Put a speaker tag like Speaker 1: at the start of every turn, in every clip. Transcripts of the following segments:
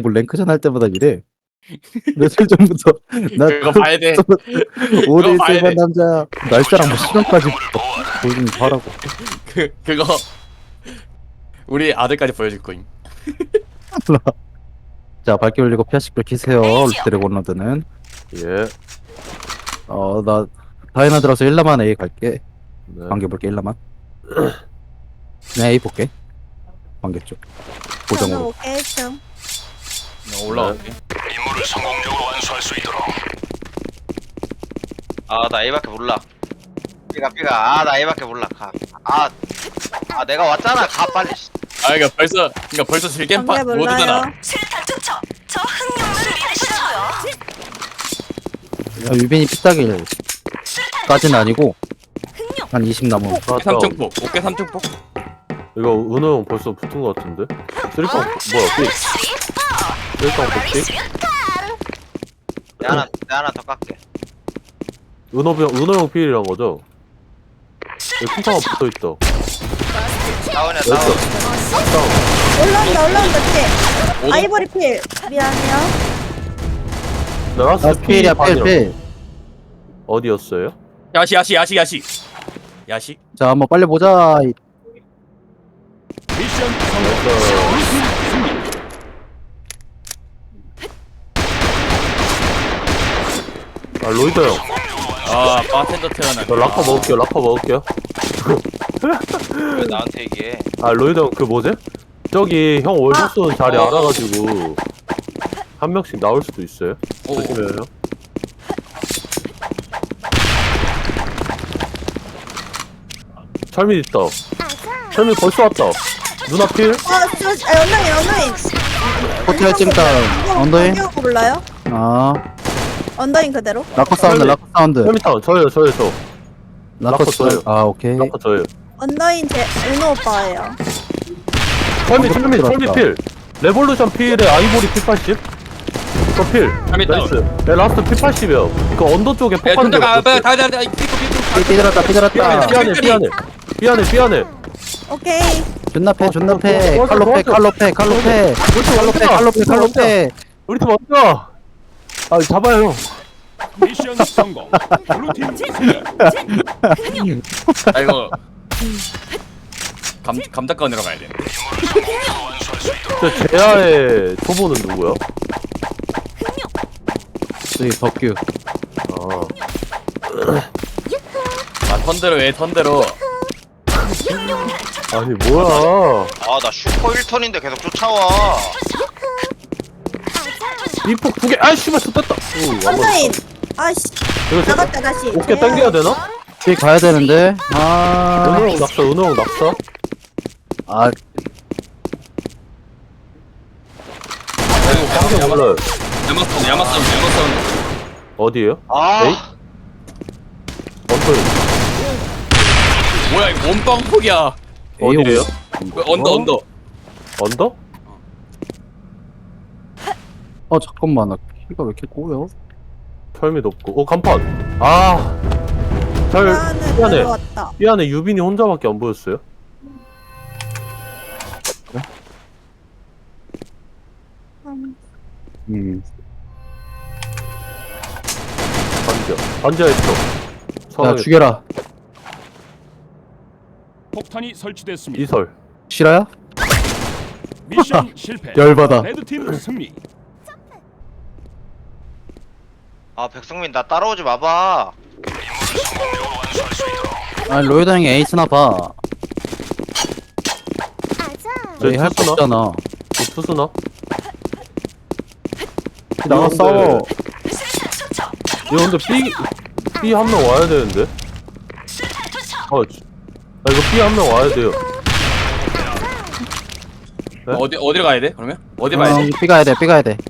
Speaker 1: 자꾸 랭크전 할 때마다 이래. 며칠 전부터 나
Speaker 2: 그거 봐야 돼.
Speaker 1: 5대1
Speaker 2: 봐야
Speaker 1: 세번
Speaker 2: 돼.
Speaker 1: 남자 날짜랑 뭐 시간까지 보여주면 하라고.
Speaker 2: 그거 우리 아들까지 보여줄 거임.
Speaker 1: 자, 밝게 올리고 피아식별 키세요. 드래곤 로드는.
Speaker 3: 예.
Speaker 1: 나 다이나 들어서 1라만 A 갈게.
Speaker 3: 네.
Speaker 1: 관계 볼게 1라만. 네, A 볼게. 관계 쪽. 고정으로.
Speaker 4: 오케이 좀.
Speaker 2: 나 올라갈게.
Speaker 5: 임무를 성공적으로 완수할 수 있도록.
Speaker 6: 나 A밖에 몰라. 삐가. 나 A밖에 몰라. 가. 내가 왔잖아. 가 빨리.
Speaker 2: 그러니까 벌써 즐겜
Speaker 4: 관계
Speaker 2: 모드잖아.
Speaker 4: 몰라요.
Speaker 7: 실탄 투척. 저 흥룡을 믿으셔요.
Speaker 1: 야, 유빈이 피따길까지는 아니고 한 20 남은.
Speaker 2: 어깨 삼중폭. 어깨 삼중폭.
Speaker 3: 이거 은호 형 벌써 붙은 거 같은데? 쓰리빵 뭐야? 쓰리빵 복지?
Speaker 6: 내가 하나 더 깎게.
Speaker 3: 은호 형 필이란 거죠? 여기 핑크가 붙어 있다.
Speaker 6: 다운이야
Speaker 3: 여기
Speaker 6: 다운.
Speaker 3: 다운.
Speaker 4: 올라온다 필.
Speaker 2: 오동-
Speaker 4: 아이보리 필. 미안해요.
Speaker 3: 나 라스트
Speaker 1: 아, 필이야, 필.
Speaker 3: 어디였어요?
Speaker 2: 야시.
Speaker 1: 자, 한번 빨리 보자.
Speaker 3: 로이더 형.
Speaker 2: 바텐더 태어나.
Speaker 3: 저 라커 먹을게요.
Speaker 6: 왜 나한테 얘기해?
Speaker 3: 로이더 형 그 뭐지? 저기 형 월급 쏘는 자리 알아가지고 한 명씩 나올 수도 있어요. 조심해요. 철민 있다. 철민 벌써 왔다. 누나 필?
Speaker 4: 언더인.
Speaker 1: 호텔 찜닭. 언더인?
Speaker 4: 언더인 몰라요?
Speaker 1: 아,
Speaker 4: 언더인 그대로.
Speaker 1: 라커 사운드.
Speaker 3: 철민 타운. 저요.
Speaker 1: 라커
Speaker 3: 저요.
Speaker 1: 쏠. 아, 오케이.
Speaker 3: 라커 저예요.
Speaker 4: 언더인 제 은호 오빠예요.
Speaker 3: 철민
Speaker 1: 들어왔다.
Speaker 3: 필. 레볼루션 필에 아이보리 필 80. 저 필.
Speaker 2: 철민 다운.
Speaker 3: 나이스. 네, 라스트 필 80이요. 그 언더 쪽에
Speaker 2: 야,
Speaker 3: 폭발한 데
Speaker 2: 다
Speaker 3: 없었어요.
Speaker 1: 삐들었다.
Speaker 3: 삐안해.
Speaker 4: 오케이.
Speaker 1: 존나 패.
Speaker 3: 도와줘.
Speaker 1: 칼로페.
Speaker 3: 우리 팀 왔다. 잡아요.
Speaker 5: 미션 성공. 블루팀 승리.
Speaker 2: 이거 감작가원으로 가야 돼.
Speaker 3: 저 제아의 초보는 누구야?
Speaker 1: 저기 덕규.
Speaker 2: 턴대로.
Speaker 3: 아니 뭐야?
Speaker 6: 나 슈퍼 1턴인데 계속 쫓아와.
Speaker 3: 이폭 2개. 씨발 쏟았다.
Speaker 4: 언더인. 아씨.
Speaker 3: 이거
Speaker 4: 나갔다 다시.
Speaker 3: 어깨 당겨야 되나?
Speaker 1: 뒤 가야 되는데.
Speaker 3: 은호 형 낙사. 당겨 몰라요.
Speaker 2: 야마사운드.
Speaker 3: 어디에요? 에이?
Speaker 2: 뭐야 이거 몸빵폭이야.
Speaker 3: 어디에요?
Speaker 2: 언더.
Speaker 3: 언더?
Speaker 1: 잠깐만. 나 키가 왜 이렇게 꼬여?
Speaker 3: 철미 높고. 간판.
Speaker 4: 미안해.
Speaker 3: 미안해.
Speaker 4: 내려왔다.
Speaker 3: 삐안에 유빈이 혼자밖에 안 보였어요? 반지하였어.
Speaker 1: 야, 죽여라.
Speaker 5: 폭탄이 설치됐습니다.
Speaker 3: 이설.
Speaker 1: 실화야?
Speaker 5: 미션 실패.
Speaker 1: 열받아.
Speaker 5: 레드팀 승리.
Speaker 6: 백성민 나 따라오지 마봐.
Speaker 1: 로이더 형이 에이스나 봐. 저희 할 거
Speaker 3: 투수나?
Speaker 1: 없잖아.
Speaker 3: 투수나?
Speaker 1: 나가 싸워.
Speaker 3: 이거 근데 B 한 명 와야 되는데? 이거 B 한 명 와야 돼요. 네?
Speaker 2: 어디로 가야 돼? 그러면 어디 가야 돼?
Speaker 1: 삐 가야 돼.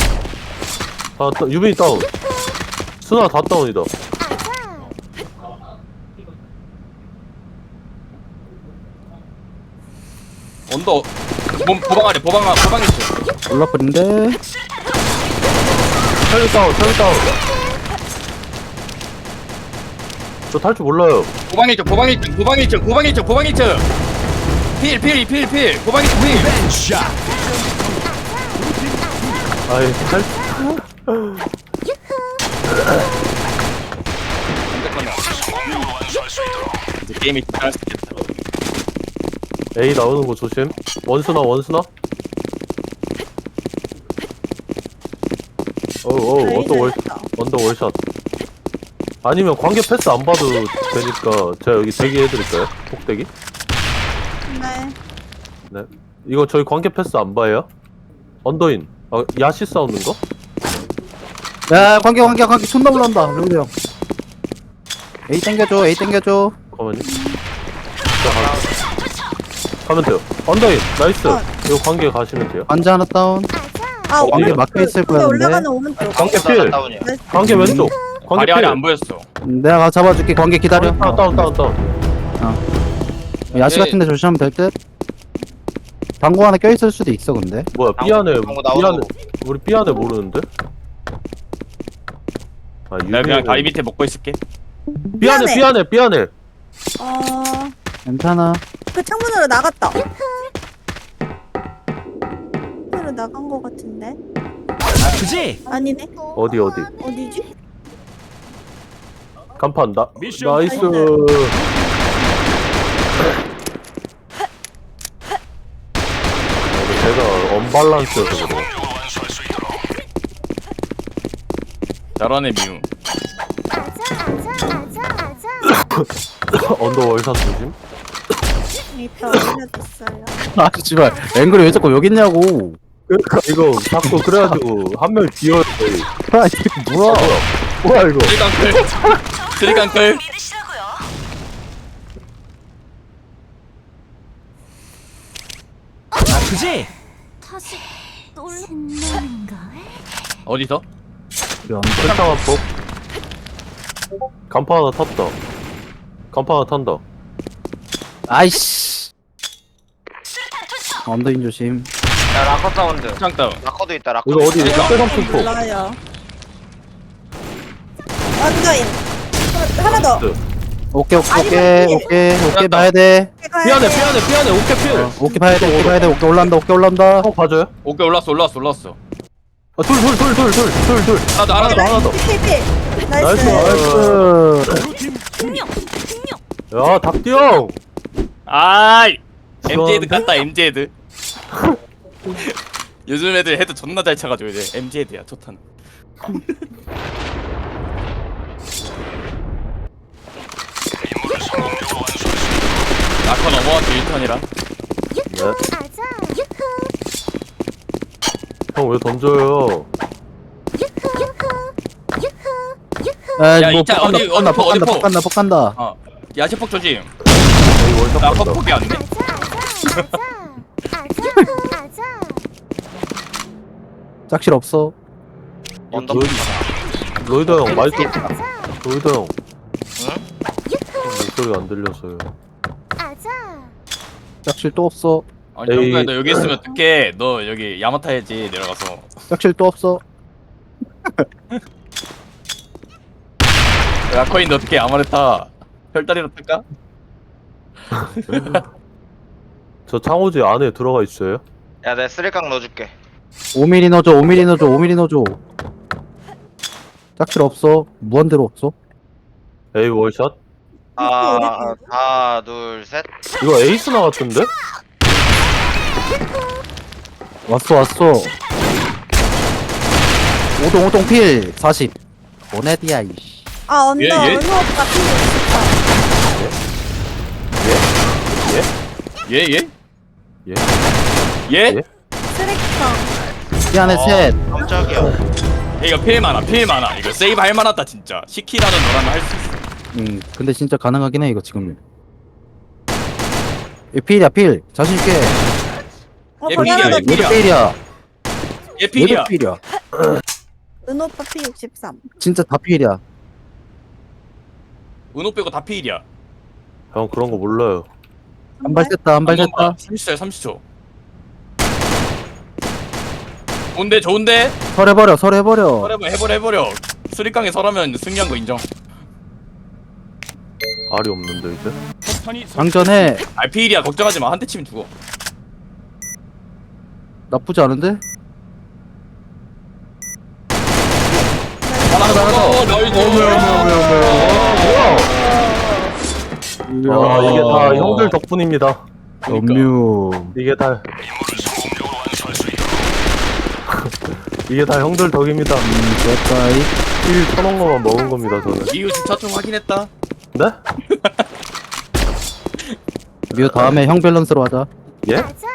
Speaker 3: 유빈이 다운. 스나 다 다운이다.
Speaker 2: 언더. 보방 있어.
Speaker 1: 올라버린데.
Speaker 3: 철미 다운. 저 탈 줄 몰라요.
Speaker 2: 보방 있죠. 필. 보방 있죠. 필.
Speaker 5: 벤샷.
Speaker 3: 아이 살
Speaker 2: 이제 게임이 끝날 수 있겠다.
Speaker 3: A 나오는 거 조심. 원스나 원스나. 어우 언더 월 언더 월샷. 아니면 관계 패스 안 봐도 되니까 제가 여기 대기해드릴까요? 폭대기?
Speaker 4: 네.
Speaker 3: 네. 이거 저희 관계 패스 안 봐요? 언더인. 아 야시 싸우는 거?
Speaker 1: 야 관계 존나 올라온다 레오드 형. A 땡겨줘 A 땡겨줘.
Speaker 3: 잠깐만요. 가면 돼요. 언더인 나이스. 이거 관계 가시면 돼요.
Speaker 1: 관자 하나 다운.
Speaker 4: 아,
Speaker 3: 관계
Speaker 1: 막혀있을
Speaker 4: 근데
Speaker 1: 거야
Speaker 4: 올라가는 오른쪽.
Speaker 3: 관계 필.
Speaker 6: 다운이야.
Speaker 3: 관계 왼쪽. 관계
Speaker 2: 발이
Speaker 3: 필.
Speaker 2: 아래 안 보였어.
Speaker 1: 내가 가서 잡아줄게. 관계 기다려.
Speaker 3: 다운.
Speaker 1: 야시 같은데 조심하면 될 듯. 방구 하나 껴있을 수도 있어 근데.
Speaker 3: 뭐야 B 안에
Speaker 6: 방구 나오는
Speaker 3: B 안에
Speaker 6: 거.
Speaker 3: 우리 B 안에 모르는데? 아
Speaker 2: 내가 그냥 다리 밑에 먹고 있을게.
Speaker 3: B 안에 B 안에.
Speaker 1: 괜찮아.
Speaker 4: 그 창문으로 나갔다. 창문으로 나간 거 같은데?
Speaker 5: 그지?
Speaker 4: 아니네.
Speaker 3: 어디
Speaker 4: 어디지?
Speaker 3: 간판
Speaker 5: 미션
Speaker 3: 나이스.
Speaker 4: 성공.
Speaker 3: 제가 언밸런스여서 그래.
Speaker 2: 저런의 미움.
Speaker 3: 언더 월샷 조심.
Speaker 4: 미터 올려줬어요.
Speaker 1: 아 씨발 앵글이 왜 자꾸 여기 있냐고.
Speaker 3: 그러니까 이거 자꾸 그래가지고 한 명 비어야 돼.
Speaker 1: 아 이게 뭐야.
Speaker 3: 뭐야 이거?
Speaker 2: 트리강클. 트리강클.
Speaker 7: 믿으시라고요.
Speaker 5: 그지?
Speaker 7: 다시 놀란다는걸?
Speaker 2: 어디서?
Speaker 3: 설탕한 폭. 간판 하나 탔다. 간판 하나 탄다.
Speaker 1: 아이씨. 언더인 조심.
Speaker 6: 야 라커 사운드.
Speaker 2: 창 다운.
Speaker 6: 라커도 있다. 라커.
Speaker 3: 이거 어디?
Speaker 2: 그러니까.
Speaker 3: 빨간 폭.
Speaker 4: 몰라요. 언더인. 하나 더.
Speaker 1: 오케이
Speaker 2: 맞다.
Speaker 1: 봐야 돼.
Speaker 3: B 안에 오케이 필.
Speaker 1: 오케이 봐야 돼. 오케이 올라온다.
Speaker 3: 형 봐줘요.
Speaker 2: 오케이 올랐어.
Speaker 3: 아, 둘.
Speaker 2: 하나 더.
Speaker 4: 필.
Speaker 3: 나이스.
Speaker 4: 나이스.
Speaker 5: 블루팀 승리.
Speaker 3: 야 닭띠 형.
Speaker 2: 아이. MJ드 같다 MJ드. 요즘 애들 헤드 존나 잘 차가지고 이제 MJ드야 좋다는. 아까 넘어왔지 1턴이라.
Speaker 3: 형 왜 던져요?
Speaker 2: 야,
Speaker 1: 뭐
Speaker 2: 이차 어디 포?
Speaker 1: 폭 간다.
Speaker 2: 어. 야채폭 조심.
Speaker 3: 여기 월샷
Speaker 2: 나
Speaker 3: 간다.
Speaker 2: 퍽퍽이 안 돼.
Speaker 1: 짝실 없어.
Speaker 6: 언더.
Speaker 3: 로이더 형 마이크. 로이더 형. 목소리가 안 들려서요.
Speaker 1: 짝실 또 없어.
Speaker 2: 아니
Speaker 3: 에이.
Speaker 2: 정국야 너 여기 있으면 어떡해. 너 여기 야마타 해야지 내려가서.
Speaker 1: 짝실 또 없어.
Speaker 2: 야 코인 너 어떻게 아마레타 별다리로 탈까?
Speaker 3: 저 창호지 안에 들어가 있어요?
Speaker 6: 야 내가 쓰리깡 넣어줄게.
Speaker 1: 5mm 넣어줘. 짝실 없어. 무한대로 없어.
Speaker 3: A 월샷?
Speaker 6: 하나 둘 셋.
Speaker 3: 이거 에이스 나갔던데?
Speaker 1: 왔어. 오동 필 40. 보네디야 이씨.
Speaker 4: 아, 언더.
Speaker 2: 예?
Speaker 4: 은호 오빠 필.
Speaker 2: 예?
Speaker 3: 예?
Speaker 2: 예?
Speaker 4: 쓰레기통.
Speaker 1: 이 안에 셋.
Speaker 6: 깜짝이야.
Speaker 2: 이거 필 많아. 이거 세이브 할 만하다 진짜. 시키라는 너라면 할 수 있어.
Speaker 1: 근데 진짜 가능하긴 해 이거 지금. 이 필이야 필. 자신 있게.
Speaker 2: 얘
Speaker 4: 거기 하나 더
Speaker 2: 필이야,
Speaker 4: 필.
Speaker 2: 필이야.
Speaker 1: 얘도 필이야.
Speaker 2: 얘 필이야.
Speaker 1: 얘도 필이야.
Speaker 4: 은호 오빠 필 63.
Speaker 1: 진짜 다 필이야.
Speaker 2: 은호 빼고 다 필이야.
Speaker 3: 형 그런 거 몰라요.
Speaker 1: 한 발 셌다.
Speaker 2: 30초야 30초. 좋은데?
Speaker 1: 설해버려.
Speaker 2: 해버려. 수리깡에 설하면 승리한 거 인정.
Speaker 3: 알이 없는데 이제?
Speaker 5: 폭탄이
Speaker 1: 장전해.
Speaker 2: 아 필이야 걱정하지 마. 한 대 치면 죽어.
Speaker 1: 나쁘지 않은데?
Speaker 3: 아 이게 다 형들 덕분입니다.
Speaker 1: 음료.
Speaker 3: 이게 다 이게 다 형들 덕입니다.
Speaker 1: 좋았다.
Speaker 3: 힐 쳐놓은 거만 먹은 겁니다 저는.
Speaker 2: 이거 주차 좀 확인했다.
Speaker 3: 네?
Speaker 1: 뮤 다음에 형 밸런스로 하자.
Speaker 3: 예?
Speaker 7: 가자.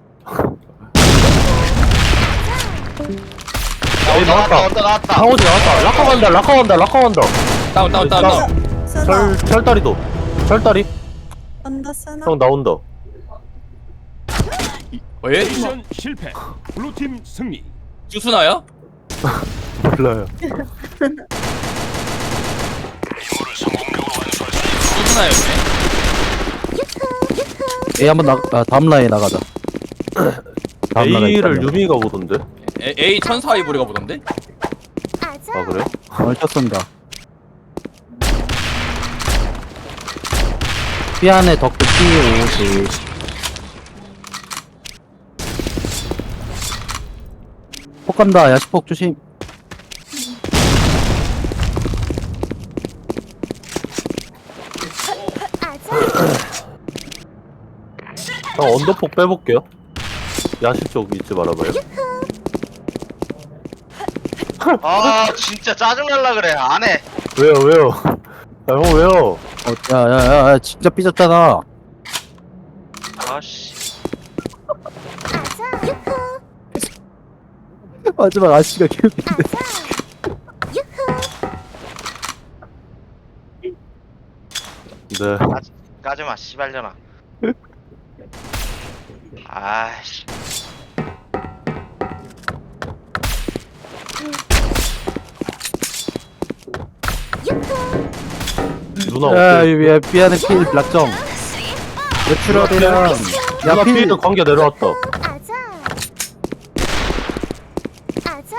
Speaker 3: 에이 나왔다.
Speaker 6: 언더 나왔다.
Speaker 3: 상호지 나왔다. 라커 간다. 라커 간다. 라커 간다.
Speaker 2: 다운.
Speaker 4: 쓰나.
Speaker 3: 철다리도. 철다리.
Speaker 4: 언더 쓰나.
Speaker 3: 형 나온다.
Speaker 2: 왜?
Speaker 5: 미션 실패. 블루팀 승리.
Speaker 2: 주스나야?
Speaker 3: 몰라요.
Speaker 2: 주스나였네.
Speaker 1: A 한번 다음 라인 나가자. 다음 라인
Speaker 3: A를
Speaker 1: 있다며.
Speaker 3: 유미가 보던데.
Speaker 2: A 천사 이브리가 보던데?
Speaker 7: 가자.
Speaker 3: 아 그래요?
Speaker 1: 월샷 쏜다. 삐 안에 덕후 P50. 폭 간다. 야시폭 조심.
Speaker 7: 가자.
Speaker 3: 형 언더폭 빼볼게요. 야시 쪽 잊지 말아봐요.
Speaker 6: 아 진짜 짜증날라 그래. 안 해.
Speaker 3: 왜요 왜요? 아, 형 왜요?
Speaker 1: 야야야 진짜 삐졌잖아.
Speaker 6: 아씨.
Speaker 7: 가자. 유후.
Speaker 1: 마지막 아씨가 기억이.
Speaker 7: 가자. 유후.
Speaker 3: 네.
Speaker 6: 까지마 씨발려나. 아씨.
Speaker 3: 누나
Speaker 1: 야,
Speaker 3: 어때?
Speaker 1: 야, 삐안에 필 락정. 외출하대랑.
Speaker 3: 누나
Speaker 1: 야, 필.
Speaker 3: 필드 관계 내려왔다.
Speaker 7: 가자. 가자.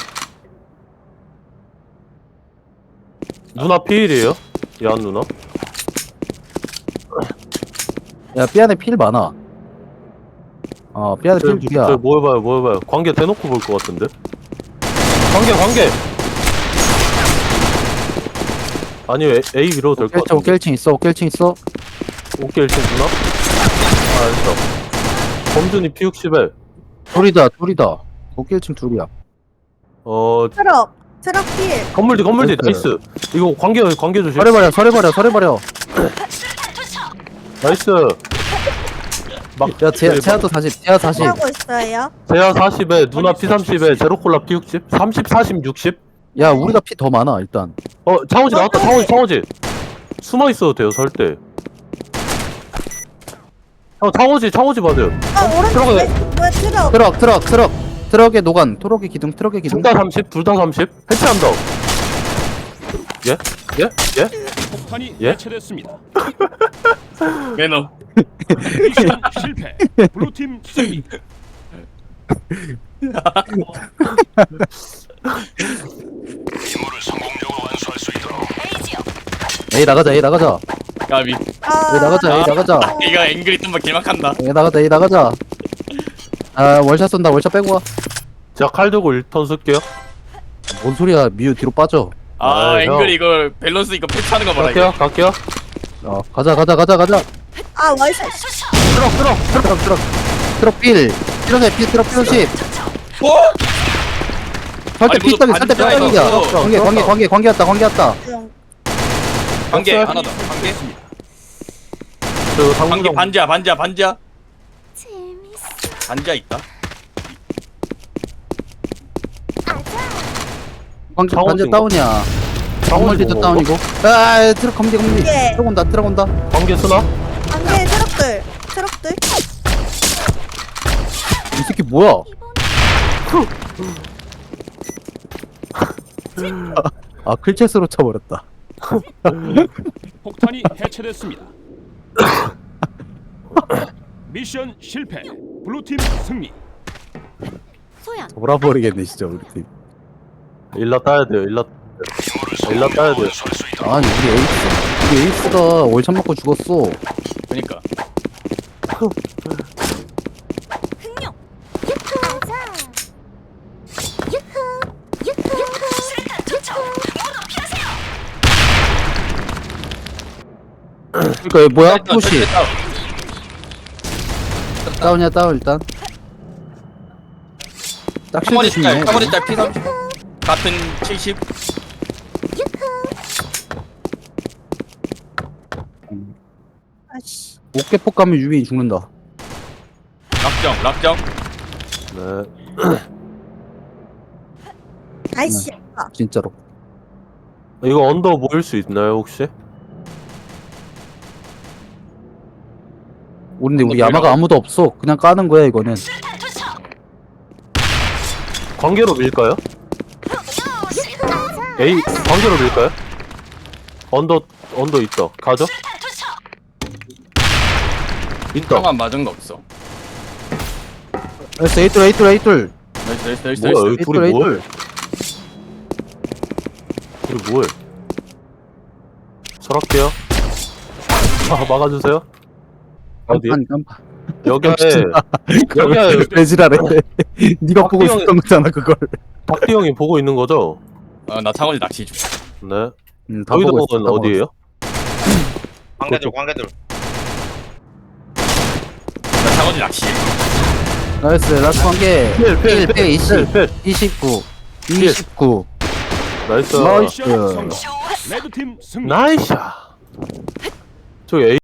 Speaker 3: 누나 필이에요? 야한 누나?
Speaker 1: 야, 삐안에 필 많아. 삐안에 필 둘이야.
Speaker 3: 뭐 해봐요 뭐 해봐요. 관계 대놓고 볼 것 같은데? 관계 아니 A 밀어도 될 것
Speaker 1: 오케이,
Speaker 3: 같은데.
Speaker 1: 1층 있어, 1층 있어.
Speaker 3: 오케이 1층 누나? 아 알았어. 범준이 P60에
Speaker 1: 둘이다. 오케이, 1층 둘이야.
Speaker 4: 트럭. 트럭 필.
Speaker 3: 건물지
Speaker 1: 나이스.
Speaker 3: 나이스. 이거 관계 조심.
Speaker 1: 서래버려.
Speaker 3: 나이스. 막
Speaker 1: 야, 제아도 40, 제아 40.
Speaker 4: 하고 있어요.
Speaker 3: 제야 40에 누나 P30에 제로콜라 P60 30 40 60.
Speaker 1: 야, 우리가 피 더 많아, 일단.
Speaker 3: 창호지 나왔다. 창호지 숨어 있어도 돼요 설때. 형 창호지 맞아요.
Speaker 4: 오른쪽.
Speaker 3: 트럭에-
Speaker 4: 왜 트럭?
Speaker 1: 트럭의 노간. 트럭의 기둥.
Speaker 3: 둘 다 30, 둘 다 30. 해체한다. 예?
Speaker 5: 폭탄이
Speaker 3: 예?
Speaker 5: 해체됐습니다.
Speaker 2: 매너.
Speaker 5: 미션 실패. 블루팀 승리.
Speaker 1: A 나가자.
Speaker 2: 까비.
Speaker 1: A 나가자.
Speaker 2: 얘가 앵그리 뜸바 길막한다.
Speaker 1: A 나가자. 월샷 쏜다. 월샷 빼고 와.
Speaker 3: 제가 칼 들고 1턴 쓸게요.
Speaker 1: 뭔 소리야. 미유 뒤로 빠져.
Speaker 2: 아,
Speaker 3: 형.
Speaker 2: 앵그리 이거 밸런스 이거 패치하는 거 봐라.
Speaker 3: 갈게요.
Speaker 1: 가자.
Speaker 4: 아 월샷.
Speaker 1: 트럭 필. 트럭 필 50. 설대
Speaker 2: 아니,
Speaker 1: 삐딱이,
Speaker 2: 무슨
Speaker 1: 설대
Speaker 2: 반지야,
Speaker 1: 삐딱이야.
Speaker 2: 이거.
Speaker 1: 관계 왔다.
Speaker 2: 관계 하나 더. 관계.
Speaker 3: 저
Speaker 2: 관계
Speaker 3: 당구장
Speaker 2: 반지야.
Speaker 7: 재밌어.
Speaker 2: 반지야 있다.
Speaker 7: 가자.
Speaker 1: 관계
Speaker 3: 창호지
Speaker 1: 다운이야.
Speaker 3: 창호지
Speaker 1: 건물지도
Speaker 3: 뭐
Speaker 1: 다운이고. 트럭 검지.
Speaker 4: 예.
Speaker 1: 트럭 온다.
Speaker 3: 관계 쓰나?
Speaker 4: 안돼 트럭들.
Speaker 1: 이 새끼 뭐야? 클체스로 쳐버렸다.
Speaker 5: 폭탄이 해체됐습니다. 미션 실패. 블루팀 승리.
Speaker 7: 소연.
Speaker 1: 돌아버리겠네 진짜 우리 팀.
Speaker 3: 일라 따야 돼요. 일라 따야 돼요.
Speaker 1: 아니 우리 에이스가 월참 맞고 죽었어.
Speaker 2: 그러니까.
Speaker 7: 흥룡. 유후. 가자. 유후. 수류탄 투척.
Speaker 1: 그니까 얘 뭐야?
Speaker 2: 일단
Speaker 1: 푸시.
Speaker 2: 절대 다운.
Speaker 1: 다운이야, 다운, 일단. 딱
Speaker 2: 카모리
Speaker 1: 실드
Speaker 2: 짤
Speaker 1: 중이네.
Speaker 2: 카모리 짤 P30 같은 70
Speaker 4: 아씨.
Speaker 1: 어깨폭 가면 유빈이 죽는다.
Speaker 2: 락정
Speaker 3: 네.
Speaker 4: 아이씨. 아,
Speaker 1: 진짜로.
Speaker 3: 이거 언더 모일 수 있나요 혹시?
Speaker 1: 우리
Speaker 2: 한번
Speaker 1: 야마가
Speaker 2: 밀어봐.
Speaker 1: 아무도 없어. 그냥 까는 거야, 이거는.
Speaker 3: 관계로 밀까요? A 관계로 밀까요? 언더 있다. 가죠? 있다.
Speaker 2: 형만 맞은 거 없어
Speaker 1: 나이스, 에이툴, 에이툴, 에이툴.
Speaker 2: 나이스
Speaker 3: 뭐야 여기 둘이 뭐해?
Speaker 1: 에이툴.
Speaker 3: 둘이 뭐해? 설할게요. 막아주세요. 어디?
Speaker 1: 깜빡.
Speaker 3: 여기에
Speaker 1: 깜빡. 배지라래. 니가 보고
Speaker 3: 박기영이-
Speaker 1: 있었던 거잖아, 그걸.
Speaker 3: 박디 형이 보고 있는 거죠?
Speaker 2: 나 창원이 낚시 중
Speaker 3: 네.
Speaker 1: 다 보고 있어.
Speaker 3: 여의도는
Speaker 1: 다
Speaker 3: 어디예요?
Speaker 6: 관계들 관계들.
Speaker 2: 나 창원이 낚시
Speaker 1: 먹었어. 나이스, 라스트 한 개.
Speaker 3: 필
Speaker 1: 20,
Speaker 3: 필.
Speaker 1: 29, 29.
Speaker 3: 나이스.
Speaker 1: 나이스.
Speaker 5: 미션 성공. 레드팀 승리.
Speaker 3: 나이스. 저기 A